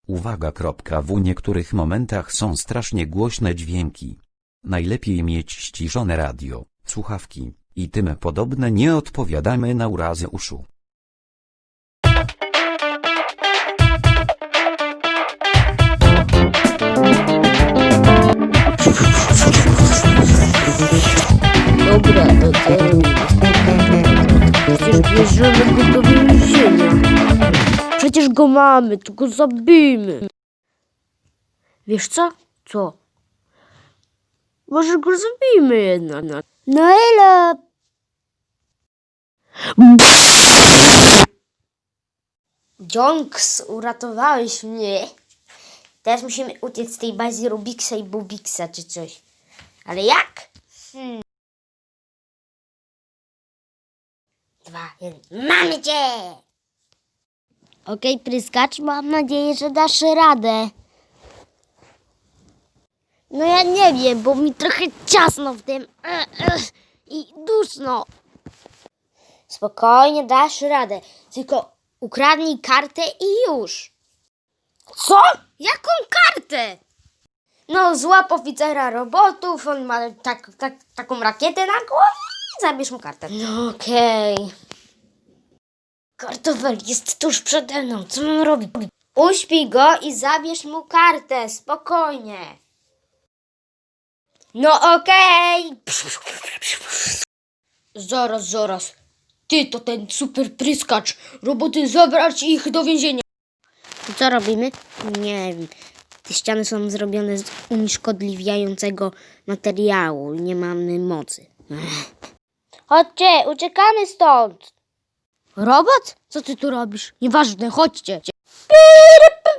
Uwaga. W niektórych momentach są strasznie głośne dźwięki. Najlepiej mieć ściszone radio, słuchawki i tym podobne. Nie odpowiadamy na urazy uszu. Dobra, to co robimy? Przecież bierzemy go do więzienia. Przecież go mamy, to go zabijmy. Wiesz co? Co? Może go zabijmy jednak. No elo! Jonks, uratowałeś mnie. Teraz musimy uciec z tej bazy Rubixa i Bubixa czy coś. Ale jak? 2, 1. Mamy cię! Okej, pryskacz, mam nadzieję, że dasz radę. No ja nie wiem, bo mi trochę ciasno w tym i duszno. Spokojnie, dasz radę. Tylko ukradnij kartę i już. Co? Jaką kartę? No, złap oficera robotów, on ma taką rakietę na głowie i zabierz mu kartę. No okej. Kartofel jest tuż przede mną, co mam robić? Uśpij go i zabierz mu kartę, spokojnie. No okej. Zaraz. Ty to ten super pryskacz. Roboty, zabrać ich do więzienia. Co robimy? Nie wiem. Te ściany są zrobione z unieszkodliwiającego materiału. Nie mamy mocy. Chodźcie, uciekamy stąd. Robot? Co ty tu robisz? Nieważne, chodźcie.